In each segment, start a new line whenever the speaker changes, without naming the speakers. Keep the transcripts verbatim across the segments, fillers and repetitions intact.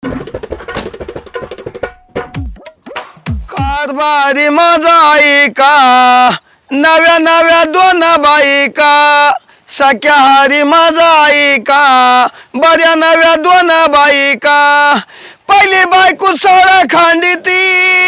कारभारी माझा ऐका नव्या नव्या दोन बायका सख्या हारी माझा ऐका बऱ्या नव्या दोन बायका पहिली बायको सोळा खांडीती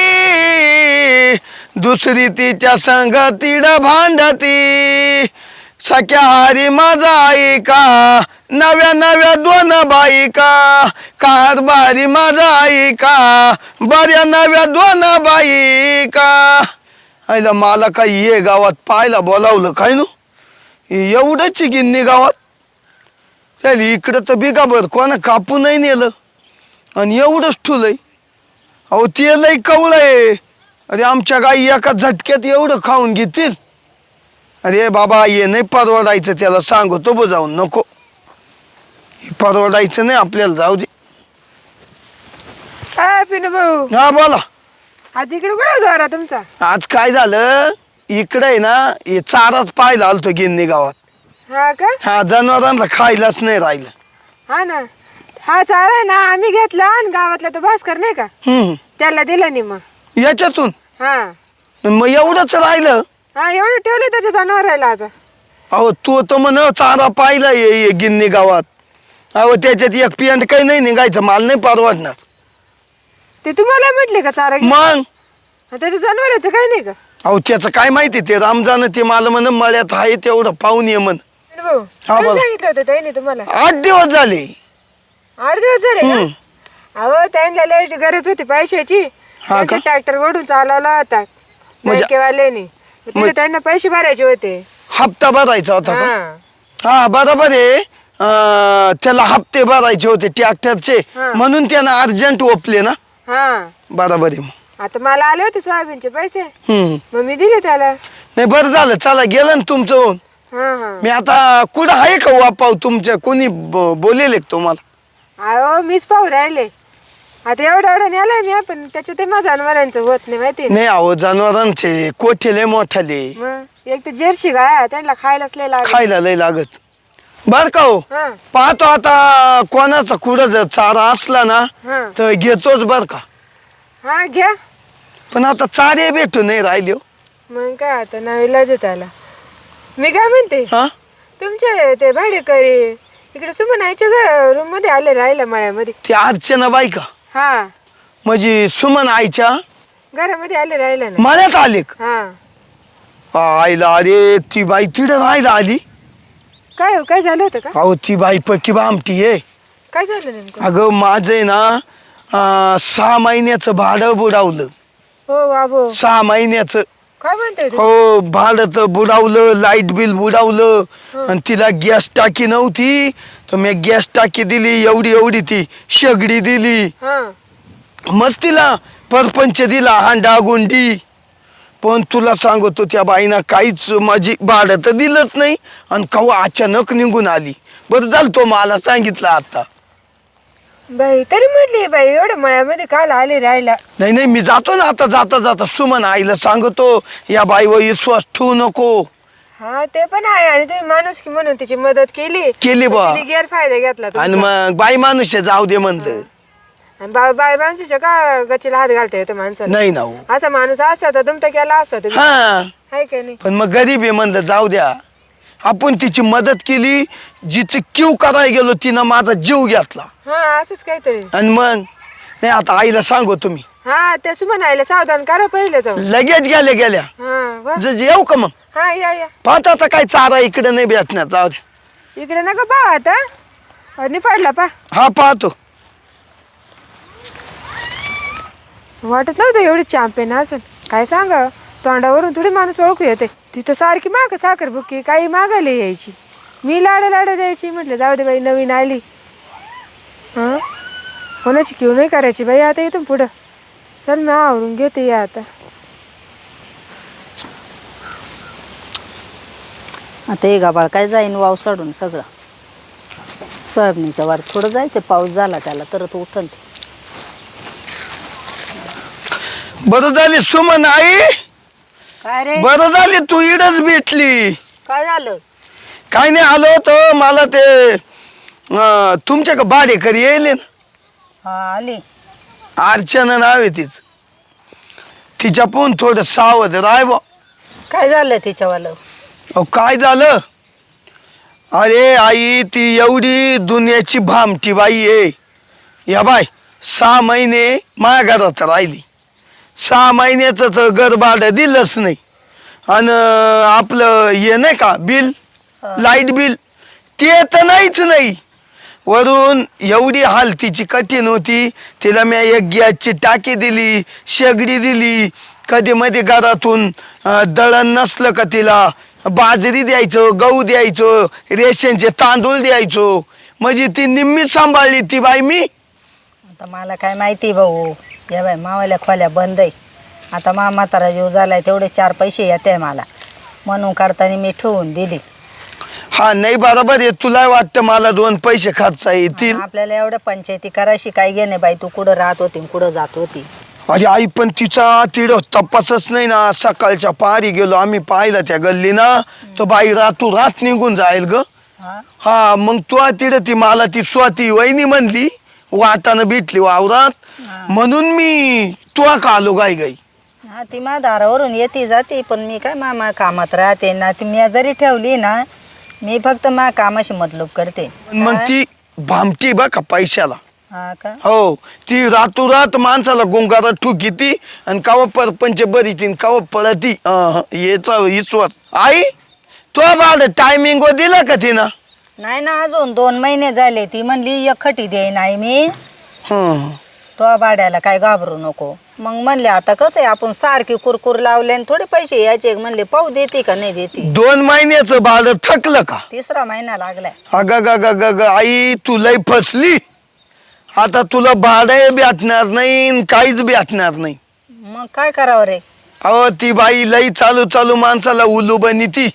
दुसरी तिच्या संगतीड भांडती सख्या हारी माझा ऐका नव्या नव्या दोन बायका कारभारी माझा ऐका बऱ्या नव्या दोन बायका आईला मला काही ये गावात पाहायला बोलावलं काय नु एवढंच गिन्नी गावात त्याला इकडं तर बिगाबर कोणा कापू नाही नेलं आणि एवढंच ठुलंय अहो ते लय कवळ आहे अरे आमच्या गाई एका झटक्यात एवढं खाऊन घेतील अरे बाबा ये नाही परवडायचं त्याला सांगतो बो जाऊन नको परवडायचं नाही आपल्याला जाऊ दे
काय पिनू भाऊ
हा बोला
आज इकडे कुठे जोरा तुमचा
आज काय झालं इकडे आहे ना हे चाराच पाहायला आलतो गिन्नी गावात
हा का
हा जनावरांना खायलाच नाही राहिलं
हा ना हा चारा आहे ना आम्ही घेतला आणि गावातला तो भास्कर नाही का
हम्म
त्याला दिला नाही मग
याच्यातून
हा
मग एवढंच राहिलं
हा एवढं ठेवले त्याच्या जनावराला आता
अहो तू तर म्हण चारा पाहिला ये ये गिन्नी गावात अहो त्याच्यात एक पिंड काही नाही निघायचं माल नाही परवडणार
ते तुम्हाला म्हटले का चारा घे?
मग
हा, त्याच्या जनावराचं काही नाही का
अहो त्याचं काय माहिती ते रामजान ते मला म्हण मळ्यात आहे तेवढं पाहून ये म्हण
पिनू भाऊ
हा,
काय
बोला.
सांगितलं होतं त्याने तुम्हाला
आठ दिवस झाले
आठ दिवस झाले
हम्म.
का अहो त्यांना लय गरज होती पैशाची
हा का?
ट्रॅक्टर ओढून चालवला होता
म्हणजे-
बँकेवाल्याने मग तिथे त्यांना पैसे भरायचे होते
हप्ता भरायचा होता का
हा
हा बरोबर आहे अं, त्याला हप्ते भरायचे होते ट्रॅक्टरचे
हा.
म्हणून त्यानं अर्जंट ओपले ना
हा
बरोबर आहे मग
आता मला आले होते सोयाबीनचे पैसे
हम्म
मग मी दिले त्याला
नाही बरं झालं चला गेलं ना तुमचं होऊन
हा हा
मी आता कुठं आहे का वापाव तुमच्या कोणी ब- बोलेले का तुम्हाला
अहो मीच पाहू राहिले आता एवढं एवढं नेलाय मी पण त्याच्या ते माझ्या जनावरांचं होत नाही माहिती
नाही अहो जनावरांचे कोठेले मोठाले
मग एक तर जर्सी गाय त्यांना खायलाच लय लागत
खायला लय लागत बर का हो
हा
पाहतो आता कोणाचा कुठं जर चारा असला ना
हा
तर घेतोच बर का
हा घ्या
पण आता चारे भेटू नाही राहिले हो.
मग काय आता नावीलाच त्याला मी काय म्हणते
हा
तुमचे ते भाडेकरी इकडे सुमनायच्या रूम मध्ये आले राहिला मळ्यामध्ये
ती अर्चना बाई का
हा
म्हणजे सुमन आईच्या
घरामध्ये आले राहिला ना
मळ्यात आले का
हा
आईला अरे ती बाई तिथं राहायला आली
काय हो काय झालं होतं का
अहो ती बाई पक्की बामटी आहे
काय झालं नेमकं
अगं माझं आहे ना अं, सहा महिन्याचं भाडं बुडावलं
हो बाबो
सहा महिन्याचं
काय म्हणताय तुम्ही?
हो भाडं तर बुडावलं लाईट बिल बुडावलं आणि तिला गॅस टाकी नव्हती तर मी गॅस टाकी दिली एवढी एवढी ती शेगडी दिली
हा
मग तिला परपंच दिला हांडा गुंडी पण तुला सांगतो त्या बाईनं काहीच माझी भाडं तर दिलंच नाही आणि कवा अचानक निघून आली बरं झालं तो मला सांगितलं आता
बाई तरी म्हटली बाई एवढ्या मळ्यामध्ये काल आले राहिला
नाही नाही मी जातो ना आता जाता जाता सुमन आईला सांगतो या बाईवर विश्वास ठेवू नको
हा ते पण आहे आणि तुम्ही माणूस की म्हणून तिची मदत केली
केली बा
तिने गैरफायदा घेतला तुमचा.
आणि मग बाई माणूस आहे, जाऊ दे म्हणलं
आणि बा- बाई माणसाच्या का गच्चीला हात घालता येतो माणसाला
नाही ना हो.
असा माणूस असता तर तुमचा केला असता तुम्ही
हा
हाय का नाही
पण मग गरीब आहे म्हणलं जाऊ द्या आपण तिची मदत केली जिची क्यू करायला गेलो तिनं माझा जीव घेतला
हा असंच काहीतरी
आणि मग नाही आता आईला सांगू तुम्ही
हा त्या सुमनाईला सावधान करा पहिले जाऊन
लगेच गेल्या गेल्या
हा वा.
ज- येऊ का मग
हा या या
पाहता आता काय चारा इकडे नाही भेटणार जाऊ द्या
इकडे नका पहा आता निफाडला पा
हा पाहतो
वाटत नव्हतं एवढी चॅम्पियन असेल काय सांगा तोंडावरून थोडी माणूस ओळखू येते तिथं सारखी माग साखर बुक्की काही मागायला यायची मी लाड लाड द्यायची म्हटलं जाऊ दे बाई नवीन आली हां कोणाची किव नाही करायची बाई आता इथून पुढं चल मी आवरून घेते या आता
आता हे गाबाळ काय जाईन वाव सोडून सगळं सोयाबीनच्या वार थोडं जायचं पाऊस झाला त्याला तर तो उठन ते
बरं झाली सुमन आई
काय रे
बरं झाली तू इडच भेटली
काय झालं
काय नाही आलो होतं मला ते अं, तुमच्या का भाडेकरी येईल ना
हा आली.
अर्चना नाव आहे तिचं. तिच्या पण थोडं सावध राय बा.
काय झालं तिच्यावालं?
अहो काय झालं, अरे आई ती एवढी दुनियाची भामटी बाई आहे. या बाय सहा महिने माझ्या घरात राहिली. सहा महिन्याचं तर घर भाडं दिलंच नाही. आणि आपलं हे नाही का बिल, लाईट बिल, ते तर नाहीच नाही. वरून एवढी हाल तिची कठीण होती. तिला मी एक गॅसची टाकी दिली, शेगडी दिली. कधी मध्ये घरातून अं, दळण नसलं का तिला बाजरी द्यायचो, गहू द्यायचो, रेशनचे तांदूळ द्यायचो. म्हणजे ती निम्मी सांभाळली ती बाई मी.
आता मला काय माहिती भाऊ, या बाई मावाल्या खोल्या बंद आहे. आता मा म्हातारा जीव झालाय, तेवढे चार पैसे येते मला म्हणून काढताना मी ठेवून दिली.
हा नाही बरोबर आहे. तुला वाटतं मला दोन पैसे खर्चा येतील.
आपल्याला एवढ्या पंचायती करायची काय घेणे बाई, तू कुठं राहत होती कुठं जात होती.
अरे आई पण तिचा तिड तपासच नाही ना. सकाळच्या पारी गेलो आम्ही पाहिलं त्या गल्ली ना, तर बाई रातू रात निघून जाईल ग.
हा
हा मग तू तिड ती मला ती स्वाती वहिनी म्हणली, वाटानं भेटली वावरात, म्हणून मी तुला का आलो गाई गाई.
हा ती मा दारावरून येते जाते, पण मी काय मामा कामात राहते ना. ती मी जरी ठेवली ना, मी फक्त मा कामाशी मतलब करते.
मग ती भामटी बा का पैशाला.
हा का?
हो ती रातोरात माणसाला गुंगारा ठुकी ती आणि काव परपंच बरी ती काव पळती. याचा विश्वास आई तो बाळ टायमिंग वर दिला का तिनं?
नाही ना, अजून दोन महिने झाले. ती म्हणली एकखटी देई नाही मी.
हं.
तो भाड्याला काय घाबरू नको. मग म्हणले आता कसं आहे, आपण सारखी कुरकुर लावले आणि थोडे पैसे यायचे. म्हणले पाहू देते का नाही देते.
दोन महिन्याचं बाळ थकलं का?
तिसरा महिना लागलाय.
अग ग ग ग ग आई तू लय फसली. आता तुला भाडं भेटणार नाही, काहीच भेटणार नाही.
मग काय करावं रे?
अहो ती बाई लई चालू चालू माणसाला उलू बनी ती.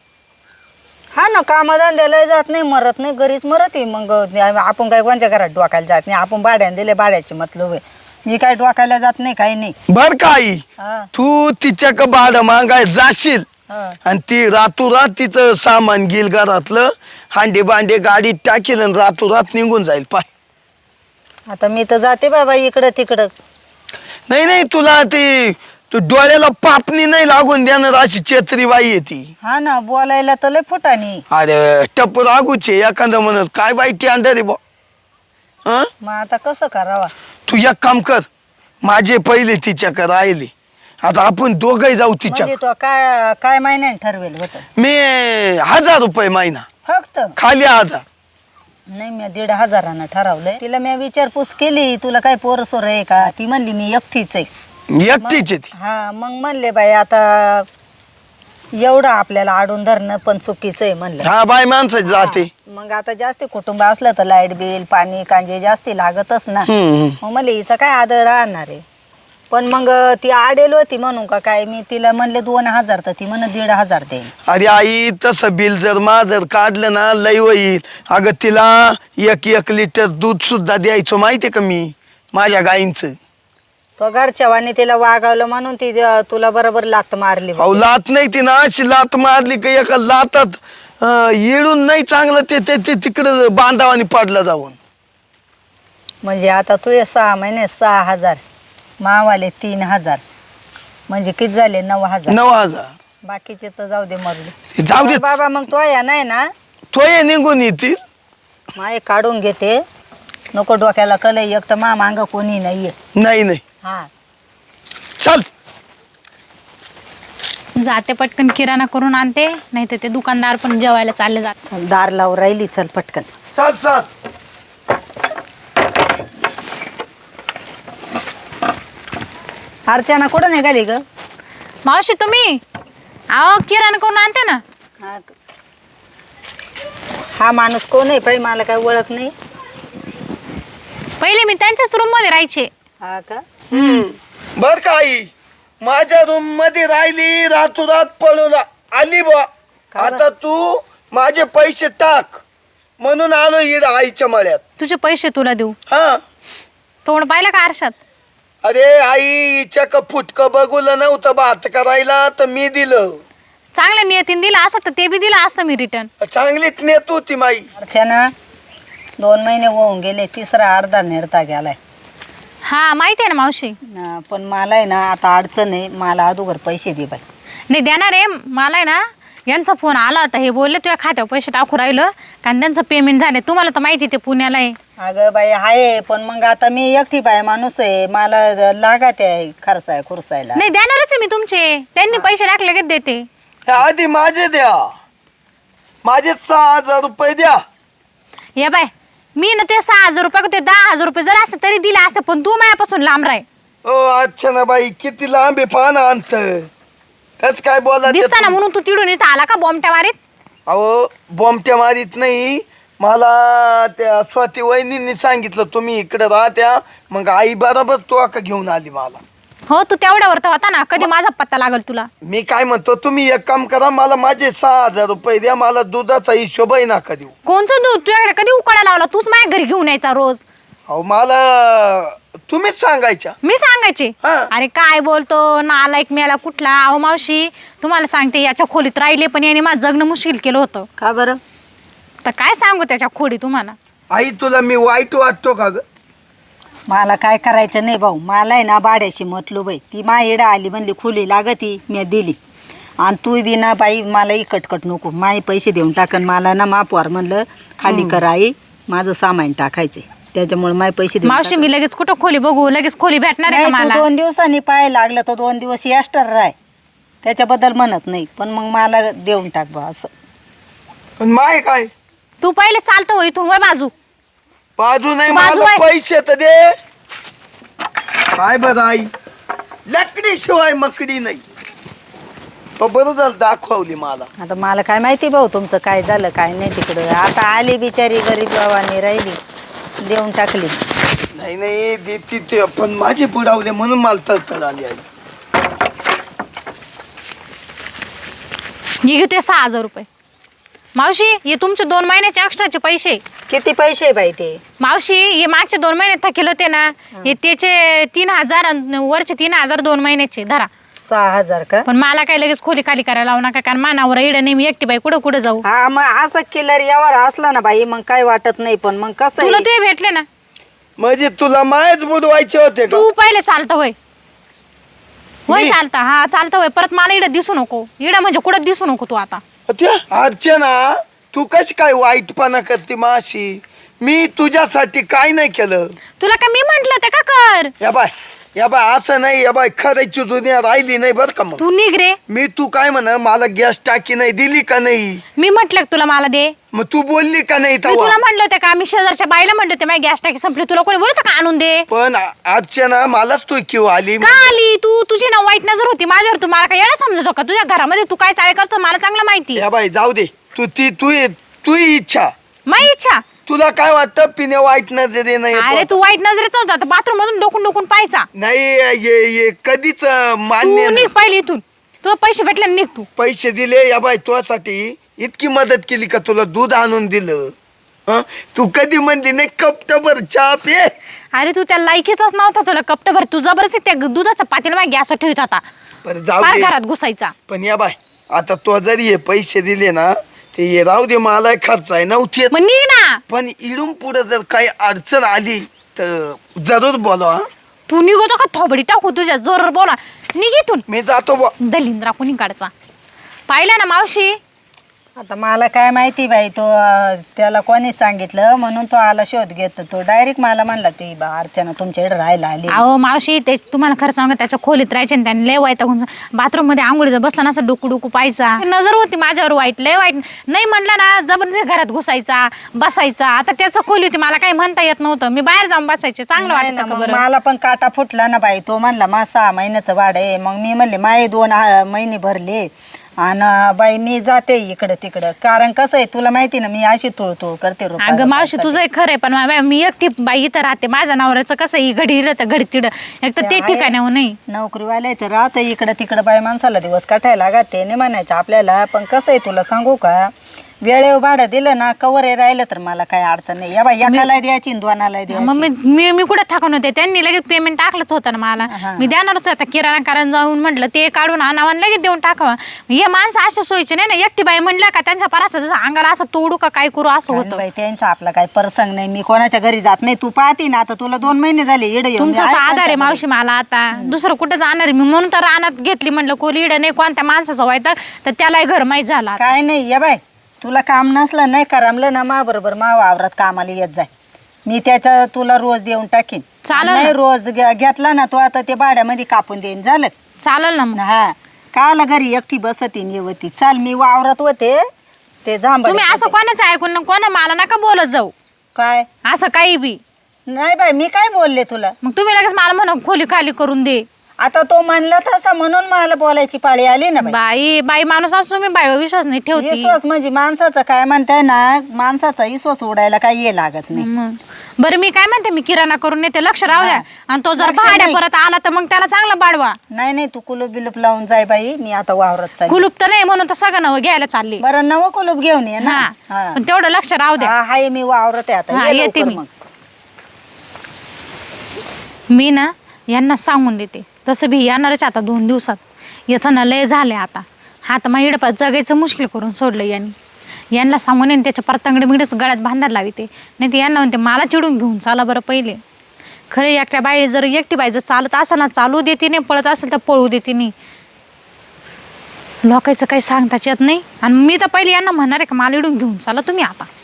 हा ना, कामधंद्याला जात नाही, मरत नाही, घरीच मरत आहे. मग आपण काय कोणत्या घरात डोकायला जात नाही. आपण भाड्याने दिले, भाड्याची मतलब आहे. मी काय डोकायला जात नाही, काही नाही.
बर का आई,
हा
तू तिच्या का भाडं मागाय जाशील
हा.
आणि ती रातोरात तिचं सामान घेईल घरातलं, हांडे बांडे गाडीत टाकेल आणि रातोरात निघून जाईल. पाय
आता मी तर जाते बाबा इकडं तिकडं.
नाही नाही तुला ती तू डोळ्याला पापणी नाही लागून देणार अशी चेत्री बाई आहे ती.
हा ना, बोलायला तर लय फुटानी.
अरे टप रागूचे एखादं म्हणत काय बाई ती अंडा रे बा. हं?
मग आता कसं करावा?
तू एक काम कर, माझे पहिले तिच्याकडे राहिले, आता आपण दोघही जाऊ तिच्या.
म्हणजे तो काय काय महिन्याने ठरवेल होतं?
मी हजार रुपये महिना
फक्त
खाली हजार.
नाही, मी दीड हजारानं ठरवलंय. तिला मी विचारपूस केली, तुला काय पोर सोर आहे का? ती म्हणली मी एकटीच आहे.
एकटीच आहे ती.
हा मग म्हणले बाई आता एवढं आपल्याला आडून धरणं पण चुकीचं आहे म्हणलं.
हा बाई माणसाची जाते.
मग आता जास्त कुटुंब असलं तर लाईट बिल पाणी कांजे जास्ती लागतच ना.
हम्म.
मग म्हणले हिचं काय आदळ राहणार आहे. पण मग ती आडेल होती म्हणून का काय, मी तिला म्हणले दोन हजार तर ती म्हण दीड हजार देईल.
अरे आई तसं बिल जर मा जर काढलं ना लय होईल. अगं तिला एक एक लिटर दूध सुद्धा द्यायचो माहितीये का मी माझ्या गाईंचं.
तो घरच्या वाणी तिला वागावलं म्हणून ती तुला बरोबर लात मारली.
अहो लात नाही ती ना, अशी लात मारली का एका लातात अं, येळून नाही चांगलं ते ते ते तिकडं बांधावानी पडलं जाऊन.
म्हणजे आता तू सहा महिने सहा हजार, मावाले तीन हजार, म्हणजे किती झाले? नऊ हजार.
नऊ हजार
बाकीचे तर जाऊ दे मरले.
जाऊ दे.
बाबा मग तो या नाही ना,
तो ये निघून येतील.
माय काढून घेते, नको डोक्याला कल. एक तर मा मांग कोणी नाहीये.
नाही नाही
हा
चल
जाते पटकन किराणा करून आणते, नाही तर ते दुकानदार पण जेवायला चालले जात.
चल, दार लावून राहिली, चल पटकन.
चल चल.
अर्चना कुठं निघाली ग?
मावशी तुम्ही अहो किराणा करून आणते ना.
हा ग. हा माणूस कोण आहे पाहिजे, मला काय ओळख नाही.
पहिले मी त्यांच्याच रूम मध्ये राहायचे.
हा का?
बर का आई, माझ्या रूम मध्ये राहिली, रातोरात पळून आली बा. आता तू माझे पैसे टाक म्हणून आलो इड आईच्या मळ्यात.
तुझे पैसे तुला देऊ.
हा
तोंड पाहिलं का आरशात?
अरे आई हिच्या का फुटकं बघूलं नव्हतं भात करायला तर मी दिलं.
चांगल्या नियतीने दिलं असं तर ते बी दिलं असतं मी रिटर्न.
चांगलीच नेत होती माई.
अर्चना दोन महिने होऊन गेले, तिसरा अर्धा नेरता गेलाय.
हा माहिती आहे ना मावशी.
ना, पण मला आहे ना आता अडचण आहे, मला अगोदर पैसे दे बाई.
नाही देणार आहे मला आहे ना. यांचा फोन आला होता, हे बोलले तुझ्या खात्यावर पैसे टाकू राहिलं कारण त्यांचं पेमेंट झाले. तुम्हाला तर माहिती ते पुण्याला आहे.
अगं बाई आहे, पण मग आता मी एकटी बाई माणूस आहे, मला लागत आहे खर्चाय खुरसायला.
नाही देणारच आहे मी तुमचे. त्यांनी पैसे टाकले की देते.
हे आधी माझे द्या, माझे सहा हजार रुपये द्या.
या बाय मी ना ते सहा हजार रुपये ते दहा हजार रुपये जर असं तरी दिला असं, पण तू माझ्यापासून लांब राय.
ओ अच्छा ना बाई, किती लांब आहे पाना अंत. कस काय बोला
दिसता ना म्हणून तू तिडून इथं आला का बॉम्बट्या मारीत.
अहो बॉम्बट्या मारीत नाही, मला त्या स्वाती वहिनींनी सांगितलं तुम्ही इकडे राहत्या, मग आई बरोबर तू का घेऊन आली मला.
हो तू तेवढ्यावर तर होता ना, कधी माझा पत्ता लागल तुला.
मी काय म्हणतो, तुम्ही एक काम करा, मला माझे सहा हजार रुपये द्या, मला दुधाचा हिशोबही नका देऊ.
कोणचं दूध तुझ्याकडे कधी उकळा लावला. तूच माझ्या घरी घेऊन यायचा रोज.
अहो मला तुम्हीच सांगायच्या.
मी सांगायचे.
हा.
अरे काय बोलतो नालायक मेला कुठला. अहो मावशी तुम्हाला सांगते, याच्या खोलीत राहिले पण याने माझं जगणं मुश्किल केलं होतं.
का बरं?
तर काय सांगू त्याच्या खोडी तुम्हाला.
आई तुला मी वाईट वाटतो का ग?
मला काय करायचं नाही भाऊ, मला आहे ना भाड्याची म्हटलो बाई, ती माईडं आली म्हणली खुली लागती, मी दिली. आणि तू बी ना बाई मला इकटकट नको, माई पैसे देऊन टाकन. मला ना मापवार म्हणलं खाली कर आई, माझं सामान टाकायचे, त्याच्यामुळे माय पैसे देऊन
मावशी मी लगेच कुठं खोली बघू, लगेच खोली भेटणार आहे का
नाही, तू
मला.
दोन दिवसांनी पाय लागलं तर दोन दिवस एक्स्ट्रा राय, त्याच्याबद्दल म्हणत नाही, पण मग मला देऊन टाक बा असं.
पण माय काय
तू पहिले चालतो हो इथून वय बाजू.
बाजू नाही,
बाजू
मला
आहे.
पैसे तर दे. काय बरं आई, लकडी शिवाय मकडी नाही. तो बरं झालं दाखवली मला.
आता मला काय माहिती भाऊ तुमचं काय झालं काय नाही तिकडं. आता आली बिचारी गरीब बाबांनी राहिली, देऊन टाकली.
नाही नाही देती ते, पण माझे बुडावले म्हणून मला तळतळ आली आई.
हे घेते सहा हजार रुपये. मावशी हे तुमचे दोन महिन्याचे एक्स्ट्राचे पैसे.
किती पैसे बाई ते?
मावशी हे मागचे दोन महिने थकेल होते ना, हे त्याचे तीन हजार आणि वरचे तीन हजार दोन महिन्याचे धरा.
सहा हजार का?
पण मला काय लगेच खोली खाली करायला लावू नका, कारण मानावर इडं नाही, मी एकटी बाई कुठं कुठं जाऊ.
हा मग असं किल्लर यावर असला ना बाई मग काय वाटत नाही, पण मग कसं
तुला
आहे,
ते भेटले ना.
म्हणजे तुला मायच बुडवायचे होते का?
तू पहिले चालतं वय वय
मी?
चालता हा चालतं वय. परत मला इडं दिसू नको, इडं म्हणजे कुठं दिसू नको तू आता.
त्या अर्चना तू कशी काय वाईटपणा करते माशी? मी तुझ्यासाठी काय नाही केलं.
तुला काय मी म्हंटल ते का कर.
या बाय या बाय असं नाही, या बाय खरायची दुनिया राहिली नाही बरं का. मग
तू निघ रे.
मी तू काय म्हण, मला गॅस टाकी नाही दिली का नाही?
मी म्हटलं तुला मला दे.
मग तू बोलली का नाही
मी
तेव्हा?
तुला म्हटलं होतं का, मी शेजारच्या बाईला म्हटलं होते माझी गॅस टाकी संपली, तुला कोणी बोलत का आणून दे.
पण अर्चना मलाच तू किंवा आली.
का आली तू? तुझी ना वाईट नजर होती माझ्यावर. तू मला काय येणं समजतो का? तुझ्या घरामध्ये तू काय चाळे करतो मला चांगलं माहिती.
या बाई जाऊ दे, तू ती तू तू इच्छा.
माझी इच्छा.
तुला काय वाटतं पिण्या वाईट नजरे नाही
अरे तू वाईट नजरेच होता, बाथरूम मधून डोकून डोकून पाहायचा.
नाही ये ये कधीच मान्य
तू
नाही.
निघ पहिले इथून. तुला पैसे भेटले निघ तू.
पैसे दिले या बाई तुझ्यासाठी, इतकी मदत केली का तुला दूध आणून दिलं. हं? तू कधी म्हणली नाही कपटभर चहा पे?
अरे तू त्या लायकीचाच नव्हता, तुला कपटभर तू जबरदस्ती त्या दुधाचा पातेला माझ्या गॅस ठेवत होता,
बरं जाऊ
फार
दे.
घरात घुसायचा.
पण या बाय आता तो जरी हे पैसे दिले ना, ते हे राहू दे, मला खर्च आहे नव्हती.
मग निघ ना.
पण इडून पुढे जर काही अडचण आली तर जरूर बोलवा.
तू निघतो का थोबडी टाकू तुझ्या जोर बोला. निघ इथून.
मी जातो बुवा.
दलिंद्रा कुणी काढचा पाहिला ना मावशी.
आता मला काय माहिती बाई, तो अं, त्याला कोणी सांगितलं म्हणून तो आला शोध घेत. तो डायरेक्ट मला म्हणला ती बा अर्चना तुमच्याकडे राहायला आली.
अहो मावशी ते तुम्हाला खरं सांगा, त्याच्या खोलीत राहायचे आणि त्याने लय वाईट बाथरूम मध्ये आंघोळीचा बसला ना असं डोकू डोकू पाहायचा. नजर होती माझ्यावर वाईट, लय वाईट. नाही म्हणलं ना जबरदस्ती घरात घुसायचा बसायचा. आता त्याचं खोली होती, मला काही म्हणता येत नव्हतं, मी बाहेर जाऊन बसायचे. चांगलं
नाही ना,
वाटतं का
मग
बरं.
मला पण काटा फुटला ना बाई. तो म्हणला मा सहा महिन्याचं वाढ आहे. मग मी म्हणले माये दोन आ, महिने भरले आणि बाई मी जाते इकडं तिकडं. कारण कसं आहे तुला माहिती ना, मी अशी तुळतुळ करते रुपया
अगं मावशी
रुपयासाठी.
तुझं एक खरं आहे, पण मा- मी एकटी बाई इथं राहते. माझ्या नवऱ्याचं कसं ही घडी इकडं घडी तिडं, एक तर ते
आहे.
ठिकाणावर नाही.
नोकरीवाल्याचं राहतं इकडं तिकडं बाई माणसाला दिवस काठायला लागते नाही म्हणायचं आपल्याला. पण कसं आहे तुला सांगू का, वेळेवर भाडं दिलं ना कवर राहिलं तर मला काही अडचण नाही. या बाई एकाला द्यायची आणि दोनाला
मग
द्यायची.
मी मी मी कुठे थकून होते, त्यांनी लगेच पेमेंट टाकलंच होतं ना मला.
हा.
मी देणारच होता किराणा कारण जाऊन म्हटलं ते काढून आणावं आणि लगेच देऊन टाकावं. हे माणसं अशा सोयीचे नाही ना, एकटी बाई म्हणल्या का त्यांच्या परास जसं अंगाला असं तोडू का काय करू असं होतं.
बाई त्यांचा आपला काही प्रसंग नाही. मी कोणाच्या घरी जात नाही. तू पाहती ना आता तुला दोन महिने झाले इडे येऊन.
तुमचा
मी आहे
आधार आहे
त्यांच्या
मावशी मला आता. दुसरं कुठं जाणार आहे मी, म्हणून तर रानात घेतली. म्हणलं कोली इडं नाही कोणत्या माणसाचं व्हायचं तर त्यालाही घर माहीत झाला.
घरी. काय नाही या बाय तुला काम नसलं नाही करमलं ना मा बरोबर मा वावरात कामाला येत जाय. मी त्याच्या तुला रोज देऊन टाकीन.
चालेल
नाही
ना.
रोज घे- घेतला ना तू आता ते भाड्यामध्ये कापून देईन झालं.
चालेल ना मग.
हा काला घरी एकटी बसतीन येवती. चाल मी वावरात होते ते जांभळे
तुम्ही असं कोणाचं ऐकून ना कोणा मला नका बोलत जाऊ
काय
असं काही बी.
नाही बाई मी काय बोलले तुला.
मग तुम्ही लगेच मला म्हणा खोली खाली करून दे.
आता तो म्हणला तसा म्हणून मला बोलायची पाळी आली ना बाई.
बाई बाई माणूस असतो मी बाईवर विश्वास नाही ठेवते.
विश्वास म्हणजे माणसाचं काय म्हणताय ना, माणसाचा विश्वास उडायला काही ये लागत नाही.
मग बरं मी काय म्हणते मी किराणा करून येते, लक्ष राहू द्या. आणि तो जर
लक्ष
भाड्या
नाही.
परत आला तर मग त्याला चांगला बाडवा.
नाही नाही तू कुलूप बिलूप लावून जाय बाई. मी आता वावरात चालली.
कुलूप तर नाही म्हणून तर सगळं नवं घ्यायला चालली.
बरं नवं कुलूप घेऊन ये ना.
हा
हा.
पण तेवढं लक्ष राहू द्या.
हा, हाय मी वावरत आहे आता.
हा,
ये
येते
लवकर
मी.
मग.
मी ना यांना सांगून देते तसं बी येणारच आता दोन दिवसात. येताना लय झाले आता. हा तर मग इडपात जगायचं मुश्किल करून सोडलं यांनी. यांना सांगून येईन त्याच्या परतांगडे मिडच गळ्यात बांधायला लावते. नाही ते यांना म्हणते मला चिडून घेऊन चाला बरं पहिले. खरे एकट्या बाई जर एकटी बाई जर चालत असेल ना चालू देते नाही, पळत असेल तर पळू देते नाही. लोकांचं काही सांगताच येत नाही. आणि मी तर पहिले यांना म्हणणार आहे का मला इडून घेऊन चाला तुम्ही आता.